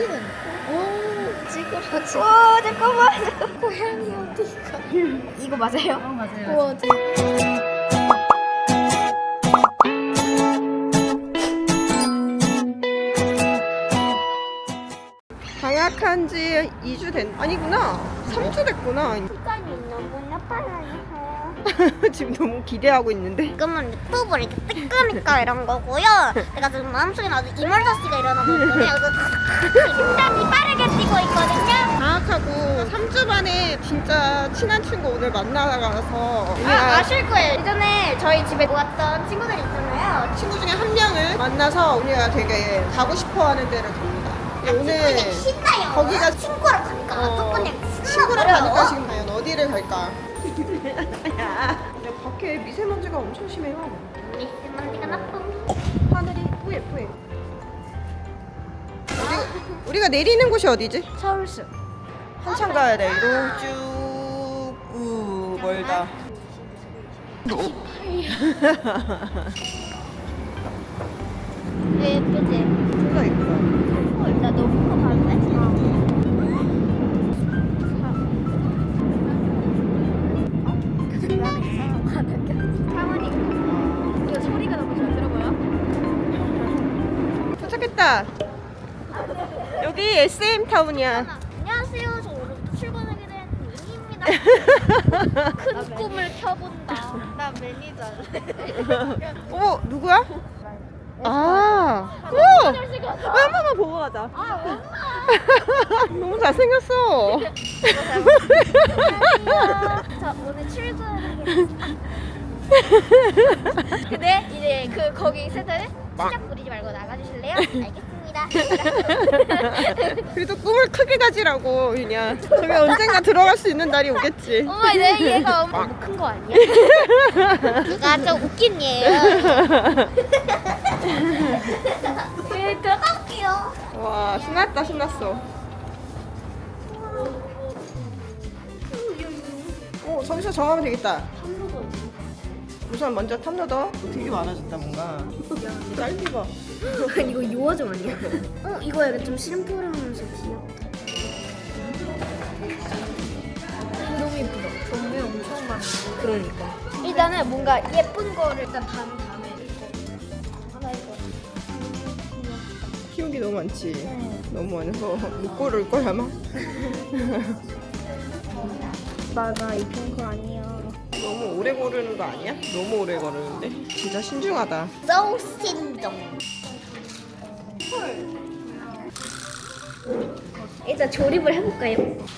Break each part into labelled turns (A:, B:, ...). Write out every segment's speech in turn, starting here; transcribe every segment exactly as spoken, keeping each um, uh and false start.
A: 사진은 오 찌그러지.
B: 와 잠깐만 잠깐.
A: 고양이 어디가?
B: 이거 맞아요?
A: 어 맞아요.
B: 우와.
C: 방학한 지 이 주 된, 아니구나. 삼 주 됐구나.
B: 시간이 너무나 빨라요.
C: 지금 너무 기대하고 있는데.
B: 지금은 유튜브를 이렇게 뜨끄니까 이런 거고요. 내가 지금 마음속에 아주 이멀저시가 일어나고 있거든요. 그래서 심장이 빠르게 뛰고 있거든요.
C: 방학하고 삼 주 만에 진짜 친한 친구 오늘 만나가서
B: 아, 아실 거예요. 예전에 저희 집에 모았던 친구들 있잖아요.
C: 친구 중에 한 명을 만나서 우리가 되게 가고 싶어하는 데를 갑니다. 오늘
B: 신나요.
C: 거기가
B: 친구랑 가니까
C: 어,
B: 그냥
C: 친구랑 가니까 지금 과연 어디를 갈까? 야, 밖에 미세먼지가 엄청 심해요.
B: 미세먼지가 나쁨.
C: 하늘이 뿌예 뿌예. 우리, 우리가 내리는 곳이 어디지?
B: 서울숲.
C: 한참 가야 돼. 이로 쭉. 우 멀다.
B: 예쁘지?
C: 진짜 예쁘다.
B: 헐, 나 너무 커 봤네.
A: 이거 소리가 너무 잘 들어가요?
C: 도착했다. 여기 에스엠 타운이야.
B: 안녕하세요. 저 오늘부터 출근하게 된 민입니다. 큰 꿈을 켜본다.
A: 나 매니저.
C: 어 누구야? 아, 오! 한 번만 보고 가자. 너무 잘생겼어.
B: 저 오늘 출근하게 됐습니다. 근데 이제 그 거기 센터는 시작 부리지 말고 나가주실래요? 알겠습니다.
C: 그래도 꿈을 크게 가지라고 그냥. 저기 언젠가 들어갈 수 있는 날이 오겠지.
B: 엄마 내 얘가 너무 큰 거 아니야? 누가 좀 웃긴 얘예요. 네, 들어갈게요.
C: 와 신났다 신났어. 어 저기서 정하면 되겠다. 우선 먼저 탐로더. 되게 많아졌다 뭔가. 딸기 봐.
B: 이거 요아정 아니야? 어 이거 약간 좀 심플하면서 귀엽다.
A: 너무 예쁘다. 종류 엄청 많아.
B: 그러니까. 일단은 뭔가 예쁜 거를 일단 반 다음에 이거 하나 이거.
C: 키우기 너무 많지. 너무 많아서 못 고를 걸 아마.
B: 나가 입힌 거 아니야.
C: 너무 오래 고르는 거 아니야? 너무 오래 고르는데. 진짜 신중하다.
B: So 신동. 일단 조립을 해볼까요?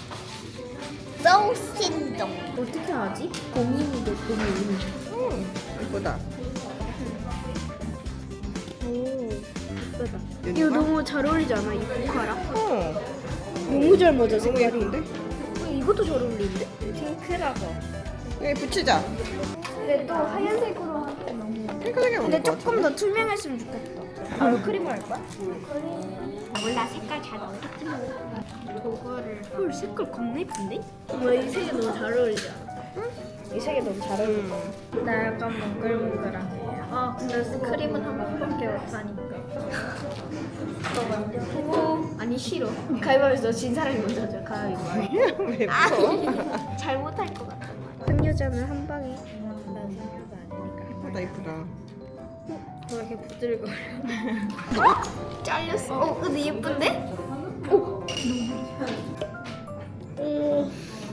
B: So 신동. 어떻게 하지? 고민이도 고민.
C: 음 예쁘다.
B: 오 예쁘다.
C: 여기
B: 이거
C: 봐.
B: 너무 잘 어울리지 않아? 이 보카랑?
C: 어
B: 너무 잘 맞아
C: 너무
B: 색깔이.
C: 예쁜데?
B: 어, 이것도 잘 어울리는데? 핑크라고.
C: 여기 붙이자.
B: 근데 또 하얀색으로 하면 너무.
C: 핑크색이
B: 근데
C: 어울릴 것
B: 조금
C: 같은데?
B: 더 투명했으면 좋겠다. 바로 크림을 할 거야? 몰라 색깔 잘 어울리지 뭐.
A: 도구를
B: 헐 색깔 겁나 예쁜데? 와 이 색이 너무 잘 어울리지 않아? 응? 이 색이 너무 잘 어울려.
C: 음.
A: 나 약간 몽글몽글하네. 아 근데 크림은 한 번밖에 못하니까.
B: 오 아니 싫어. 가위바위보에서 진 사람이 먼저 하자. 가위바위보.
C: 왜 무서워?
B: 잘못할 것 같아. 한 여자는 한 방에.
A: 난 생각 아니니까.
C: 예쁘다 예쁘다.
A: 왜 이렇게 부들거려?
B: 잘렸어. 어 근데 예쁜데? 오. 오.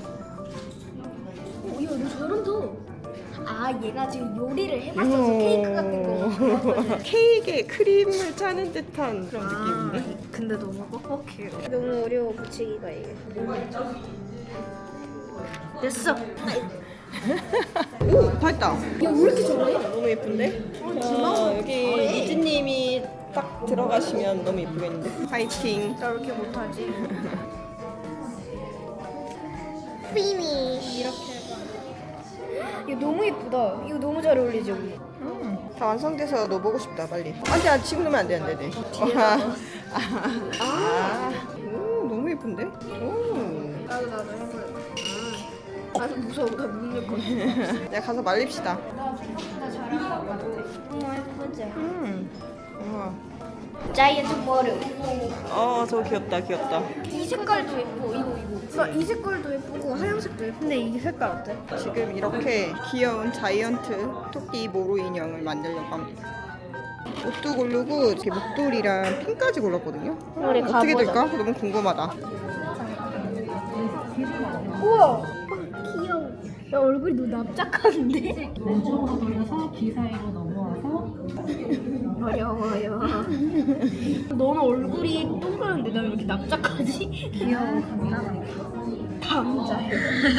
B: 오, 야, 너 잘한다. 아, 얘가 지금 요리를 해봤어서 케이크 같은 거.
C: 케이크에 크림을 짜는 듯한 그런
A: 아,
C: 느낌인데?
A: 근데 너무 뻑뻑해요.
B: 너무 어려워 붙이기가 이게.
A: 됐어.
C: 오! 다 했다.
B: 야, 왜 이렇게 잘해?
C: 너무 예쁜데? 아, 여기 이즈님이 딱 들어가시면 너무 예쁘겠는데? 화이팅!
A: 나 왜 이렇게 못하지?
B: 피니쉬.
A: 이렇게 해봐.
B: 이거 너무 예쁘다. 이거 너무 잘 어울리죠? 우리?
C: 다 완성돼서 너 보고 싶다 빨리. 아니 아 지금 넣으면 안 돼 안돼 돼. 아, 아, 아, 오 너무 예쁜데? 오.
A: 나도 나도 해볼래. 아, 나 무서워. 나 묻는 거.
C: 내가 가서 말립시다.
B: 나 잘한 것 같아. 너무 예쁘지?
C: 음. 우와.
B: 자이언트 머루.
C: 어, 저거 귀엽다, 귀엽다.
B: 이 색깔도 예뻐. 이거 이거. 이 색깔도 예쁘고 하얀색도 예쁘고.
A: 근데 이 색깔 어때?
C: 지금 이렇게 귀여운 자이언트 토끼 모로 인형을 만들려고 합니다. 옷도 고르고 이렇게 목도리랑 핀까지 골랐거든요.
B: 우리
C: 어떻게
B: 가보자.
C: 될까? 너무 궁금하다.
B: 우와. 귀여워. 야 얼굴이 너무 납작한데?
D: 왼쪽으로 돌려서 귀 사이로 넘어와서
B: 어려워요. 너는 얼굴이 동그란데 나 왜 이렇게 납작하지?
A: 귀여워, 간단하게.
B: 감자요.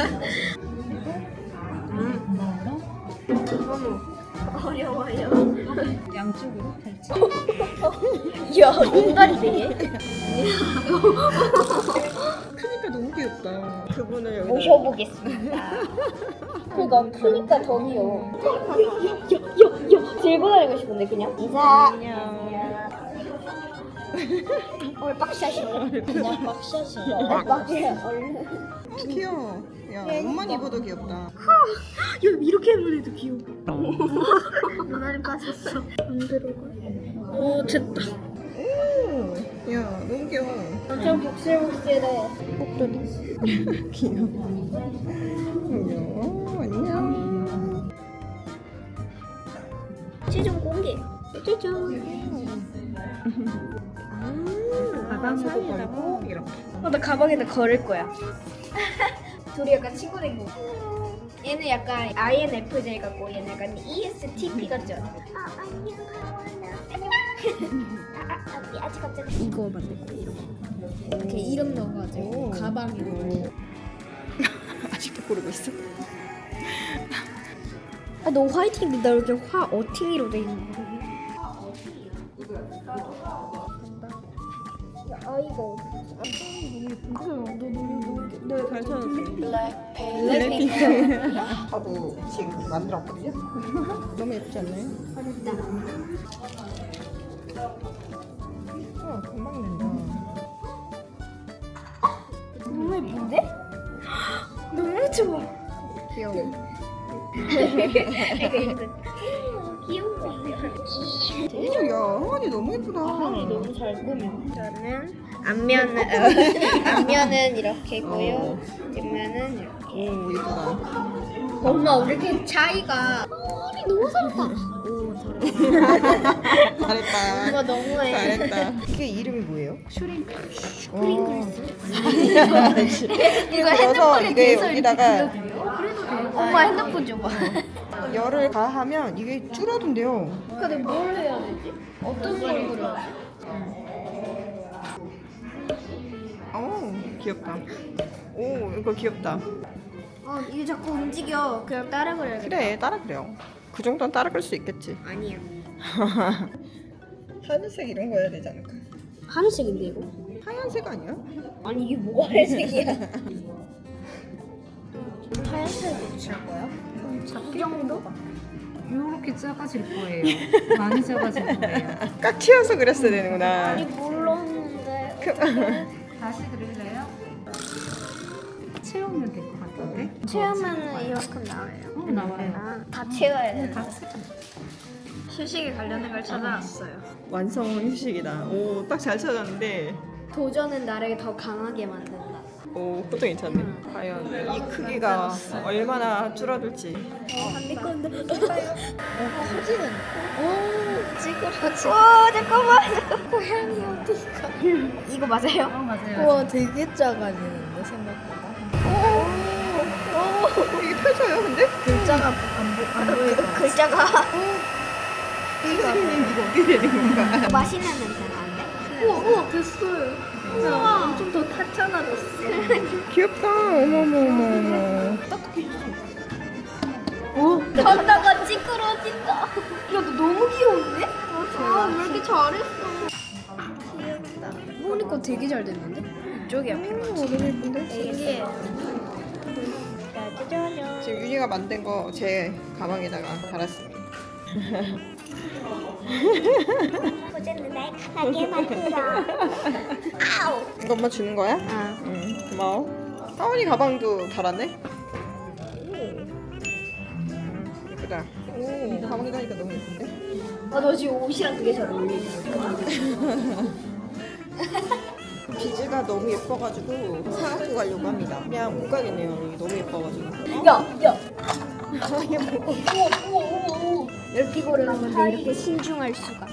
D: 엉덩이로
B: 어려워요.
D: 양쪽으로 펼치.
B: 야, 인간이네.
C: 크니까 너무 귀엽다. 그분을 여기다
B: 모셔보겠습니다. 그니까 크니까 더 귀여워. 야야야야 들고 다니고 싶은데 그냥. 인사.
C: 안녕.
B: 오늘 빡샷이네. 그냥 빡샷이야. 빡샷 얼른.
C: 귀여워. 야, 옷만 입어도 귀엽다.
B: 야 이렇게 하면 해도 귀여워. 눈알이 빠졌어. 안 들어가. 오 됐다.
C: 오, 야, 너무 귀여워.
B: 엄청 복실복실해. 목도리.
C: 귀여워. 귀여워. 안녕.
B: 최종 공개. 최종.
C: 가방도 걸고 이렇게.
B: 어, 나 가방에다 걸을 거야. 둘이 약간 친구 된 거. 얘는 약간 아이엔에프제이 같고 얘는 약간 이에스티피 같죠? 아 안녕 안녕. 아, 아, 아, 아직 갑자기 이거 만들 거야 이런 거. 이렇게 이름 넣어가지고
C: 오.
B: 가방이고.
C: 아직도 고르고 있어?
B: 아, 너 화이팅인데 나 이렇게 화 어팅이로 돼 있는 거. 아 이거
C: 네, 잘 찾았어.
B: 블랙핑크.
C: 저도 지금 만들었거든요. 너무 예쁘지 않나요?
B: 어렵다.
C: 어, 금방 된다.
B: 너무 예쁜데? 너무 좋아.
C: 귀여워.
B: 귀여워.
C: 오, 야, 항아리 너무 예쁘다.
B: 너무 잘 꾸며. 저는 앞면은 어, 앞면은 이렇게고요. 뒷면은 이렇게.
C: 오, 예쁘다.
B: 엄마 우리 이렇게 차이가. 아니 너무 잘했다. 오 잘했다.
C: 잘했다.
B: 엄마 너무해.
C: 잘했다. 이게 이름이 뭐예요?
D: 슈링크.
B: 프링글스.
C: 이거 넣어서 이게 여기다가
B: 엄마 핸드폰 줘봐.
C: 열을 가하면 이게 줄어든대요.
B: 근데 뭘 해야 되지? 어떤 걸 그려야지?
C: 오, 귀엽다. 오, 이거 귀엽다.
B: 아 이게 자꾸 움직여. 그냥 따라 그려야겠다.
C: 그래, 따라 그래요. 그 정도는 따라 그릴 수 있겠지.
B: 아니야.
C: 하늘색 이런 거 해야 되지 않을까?
B: 하늘색인데 이거?
C: 하얀색 아니야?
B: 아니 이게 뭐가 하얀색이야? 하얀색 칠 거야? 이 정도?
D: 이렇게 작아질 거예요. 많이 작아질 거예요.
C: 깍 튀어서 그렸어야 되는구나.
B: 아니 몰랐는데.
D: 다시 그릴래요? 채우면 될 것 같은데?
B: 채우면은 이만큼 나와요.
D: 어, 나와요.
B: 아, 다 채워야 돼.
D: 다 채.
A: 휴식에 관련된 걸 찾아왔어요.
C: 완성 휴식이다. 오, 딱 잘 찾았는데.
B: 도전은 나를 더 강하게 만든다.
C: 오, 그것도 괜찮네. 과연 이 크기가 얼마나 줄어들지.
B: 안될 건데. 사진은? 오, 찌그러지. 와, 잠깐만. 잠깐. 고양이 어디가? 이거 맞아요?
D: 어, 맞아요.
A: 우와, 되게 작아지는데, 생각보다.
C: 이게 펴져요, 근데?
A: 글자가 안, 보, 안 보이고.
B: 글자가
C: 선생님, 이거 어떻게 되는 건가?
B: 맛있는 냄새 나는데?
A: 우와, 우와, 됐어요. 우와, 엄청 더 타짜나졌어.
C: 귀엽다. 어머머머머.
B: 걷다가 찌그러진다. 야, 너 너무 귀여운데? 아, 왜 이렇게 잘했어? 귀엽다.
A: 보니까 되게 잘 됐는데? 이쪽이 앞에 맞지?
C: 너무 예쁜데?
B: 이게 짜자잔.
C: 지금 윤희가 만든 거 제 가방에다가 달았습니다.
B: 포즈는 날카롭게 만들어. 아우.
C: 이거 엄마 주는 거야?
B: 아.
C: 응, 고마워. 하원이 가방도 달았네? 오, 예쁘다. 오, 가방에 다니까 너무 예쁜데?
B: 아, 너 지금 옷이랑 되게 잘 어울리네.
C: 비즈가 너무 예뻐가지고 사갖고 가려고 합니다. 그냥 못 가겠네요. 여기 너무 예뻐가지고.
B: 야, 야.
C: 아얘 뭐?
B: 이렇게 고르는 건데 이렇게 신중할 수가.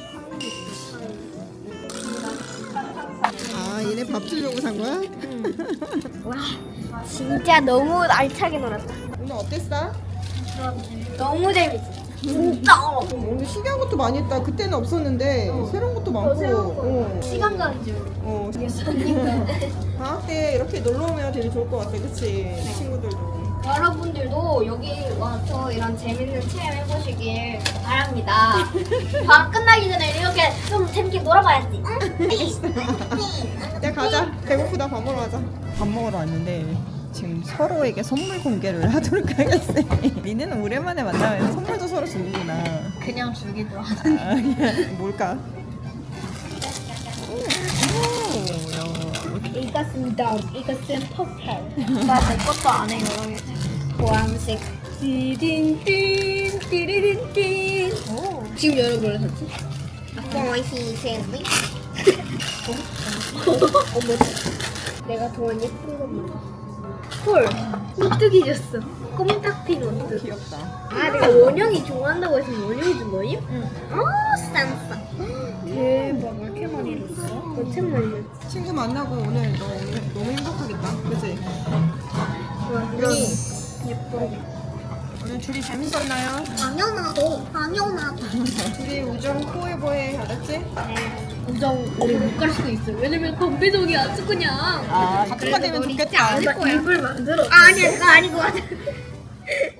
C: 아 얘네 밥 주려고 산 거야?
B: 와, 진짜 너무 알차게 놀았다.
C: 오늘 어땠어?
B: 너무 재밌어. 진짜.
C: 오늘 신기한 것도 많이 했다. 그때는 없었는데 새로운 것도 많고. 어.
B: 시간 가는 줄.
C: 어.
B: 모르겠으니까.
C: 방학 때 이렇게 놀러 오면 되게 좋을 것 같아, 그치? 친구들도.
B: 여러분들도 여기 와서 이런 재밌는 체험 해보시길 바랍니다. 방학 끝나기 전에 이렇게 좀 재밌게 놀아봐야지.
C: 야 가자. 배고프다. 밥 먹으러 가자. 밥 먹으러 왔는데 지금 서로에게 선물 공개를 하도록 하겠어요. 니네는 오랜만에 만나면 선물도 서로 주는구나.
A: 그냥 주기도 하고.
C: 아, 그냥 뭘까? 오, 야.
B: 이것입니다. 이것은 퍼플.
A: 나내 것도 안 해요.
B: 보람색. 띠딘딘 띠리딘딘.
A: 오.
B: 지금 여러 걸 샀지? 보이시 샌드. 어머. 내가 동안 예쁜 거 몰라. 헐. 오뚜기 줬어. 꼼딱핀 오뚜기.
C: 귀엽다.
B: 아, 내가 원영이 좋아한다고 해서 원영이 준 거임?
A: 응.
B: 어, 쌈싸. 대박, 왜 이렇게 많이 줬어? 엄청 많이 줬어.
C: 친구 만나고 오늘 너 오늘 너무 행복하겠다. 그치?
B: 와,
C: 우리
B: 예뻐.
C: 오늘 둘이 재밌었나요?
B: 당연하고, 당연하고.
C: 둘이 우정 포에버해. 알았지?
B: 우정, 우리 못 갈 수도 있어. 왜냐면 건배동이 아주 그냥.
C: 아, 같은 거 되면 좋겠다.
B: 입을 만들어. 아, 아니야, 그거 아닌 것 같아.